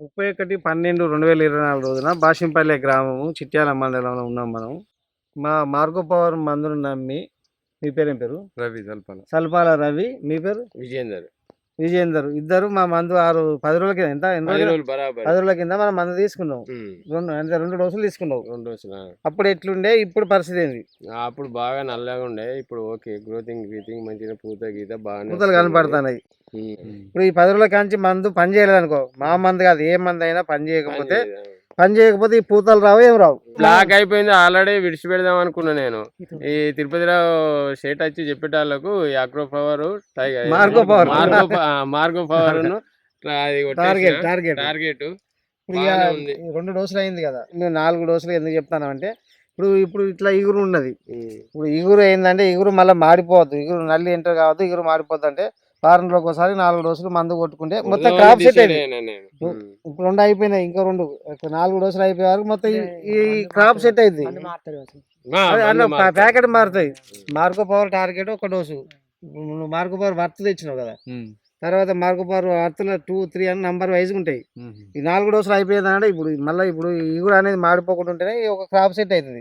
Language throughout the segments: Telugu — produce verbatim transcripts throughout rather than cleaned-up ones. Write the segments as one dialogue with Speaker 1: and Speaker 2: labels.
Speaker 1: ముప్పై ఒకటి పన్నెండు రెండు వేల ఇరవై నాలుగు రోజున బాషంపల్లె గ్రామము చిట్యాల మండలంలో ఉన్నాం మనం. మా మార్గో పవర్ మందును నమ్మి మీ పేరేం పేరు?
Speaker 2: రవి సల్పాల
Speaker 1: సల్పాల రవి. మీ పేరు?
Speaker 2: విజయేందర్.
Speaker 1: విజయేందర్. ఇద్దరు మా మందు ఆరు పది రోజుల కింద ఎంత ఎన్ని రోజులు పది రోజుల కింద మనం మందు తీసుకున్నాం. రెండు అంటే రెండు డోసులు తీసుకున్నావు.
Speaker 2: రెండు డోసులు.
Speaker 1: అప్పుడు ఎట్లుండే, ఇప్పుడు పరిస్థితి ఏంది?
Speaker 2: అప్పుడు బాగా నల్లగా ఉండే, ఇప్పుడు ఓకే గ్రోతింగ్ గ్రీతింగ్ మంచిగా పూత గీత బాగా
Speaker 1: పూతలు కనపడుతున్నాయి. ఇప్పుడు ఈ పది రోజుల కాంచి మందు పని చేయలేదు అనుకో, మా మందు కాదు ఏ మందు అయినా పని చేయకపోతే పని చేయకపోతే ఈ పూతలు రావు, ఏం రావు.
Speaker 2: బ్లాక్ అయిపోయింది ఆల్రెడీ. విడిచిపెడదాం అనుకున్నా నేను. ఈ తిరుపతిలో షేట్ వచ్చి చెప్పేటాళ్ళకు ఈ agro power
Speaker 1: Margo power
Speaker 2: Margo power
Speaker 1: target target
Speaker 2: target
Speaker 1: రెండు డోసులు అయింది కదా. నేను నాలుగు డోసులు ఎందుకు చెప్తాను అంటే, ఇప్పుడు ఇప్పుడు ఇట్లా ఇగురు ఉన్నది. ఇప్పుడు ఇగురు ఏంటంటే ఇగురు మళ్ళీ మాడిపోవద్దు, ఇగురు నల్లి ఎంటర్ కావద్దు, ఇగురు మాడిపోద్దు అంటే వారంలో ఒకసారి నాలుగు డోసులు మందు కొట్టుకుంటే మొత్తం క్రాప్ సెట్ అయింది. ఇప్పుడు రెండు అయిపోయినాయి, ఇంకో రెండు నాలుగు డోసులు అయిపోయే వరకు మొత్తం ఈ క్రాప్ సెట్ అయింది. ప్యాకెట్ మారుతాయి. మార్గో పవర్ టార్గెట్ ఒక డోసు. నువ్వు మార్గో పవర్ వర్త్ తెచ్చినావు కదా, తర్వాత మార్గో పవర్ వర్త్లో టూ త్రీ అని నంబర్ వైజ్ ఉంటాయి. ఈ నాలుగు డోసులు అయిపోయిందంటే ఇప్పుడు మళ్ళీ ఇప్పుడు ఇగురు అనేది మాడిపోకుండా ఉంటేనే ఒక క్రాప్ సెట్ అవుతుంది.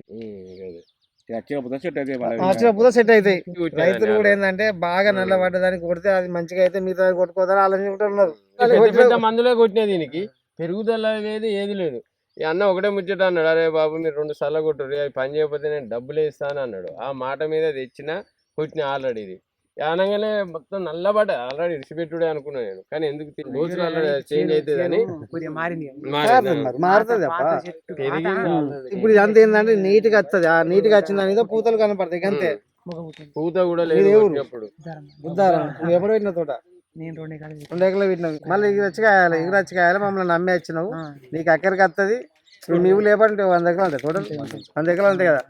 Speaker 1: వచ్చినప్పుడు సెట్ అవుతాయి. రైతులు కూడా ఏంటంటే బాగా నల్ల పడ్డదానికి కొడితే అది మంచిగా అయితే మిగతా కొట్టుకోదని ఆలోచించుకుంటున్నారు.
Speaker 2: పెద్ద మందులే కొట్టినా దీనికి పెరుగుదల లేదు, ఏది లేదు. ఈ అన్న ఒకటే ముచ్చట అన్నాడు, అరే బాబు మీరు రెండు సార్లు కొట్టుర్రు, అది పని చేయకపోతే నేను డబ్బులు ఇస్తాను అన్నాడు. ఆ మాట మీద తెచ్చిన కొట్టిన ఆల్రెడీ. ఇది అనగానే మొత్తం నల్లబడ్డ ఆల్రెడీ ఇడిచిపెట్టుడే అనుకున్నా నేను. కానీ ఎందుకు రోజులు ఆల్రెడీ చేంజ్ అవుతుంది అని
Speaker 1: మారుతుంది. ఇప్పుడు ఇదంతా ఏంటంటే నీట్ గా వస్తుంది. ఆ నీట్ గా వచ్చిన దాని పూతలు కనపడతాయి అంతే.
Speaker 2: పూత కూడా లేదు.
Speaker 1: బుద్ధారం నువ్వు ఎప్పుడు పెట్టిన తోట? రెండు ఎకరాలు పెట్టినావు. మళ్ళీ ఎగురు వచ్చి కాయాలి, ఎగురు వచ్చి కాయాలి. మమ్మల్ని నమ్మి వచ్చినావు, నీకు అక్కడికి వస్తుంది. ఇప్పుడు నీవు లేపంటే వంద ఎకరాలు ఉంటాయి, టోటల్ వంద ఎకరాలు ఉంటాయి కదా.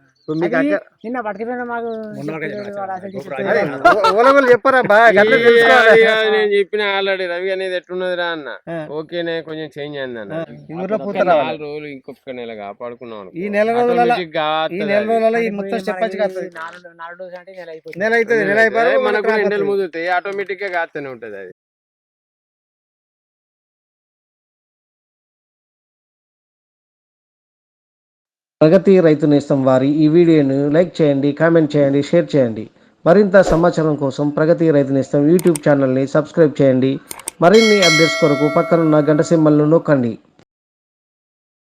Speaker 1: చెప్పరా
Speaker 2: నేను చెప్పిన ఆల్రెడీ రవి అనేది ఎట్లున్నది రా అన్న. ఓకేనే కొంచెం చేంజ్ అయింది అన్న. నాలుగు రోజులు ఇంకొక నెల కాపాడుకున్నాం.
Speaker 1: ఈ నెల రోజుల ఈ నెల రోజులలో ఈ మొత్తం స్టెప్ నెల అవుతుంది. నెల అయిపోయి
Speaker 2: మనకు ఎండలు ముదుతాయి, ఆటోమేటిక్ గా కాస్తూనే ఉంటది అది.
Speaker 3: ప్రగతి రైతు నేస్తం వారి ఈ వీడియోను లైక్ చేయండి, కామెంట్ చేయండి, షేర్ చేయండి. మరింత సమాచారం కోసం ప్రగతి రైతు నేస్తం యూట్యూబ్ ఛానల్ని సబ్స్క్రైబ్ చేయండి. మరిన్ని అప్డేట్స్ కొరకు పక్కనున్న గంట సింబల్ను నొక్కండి.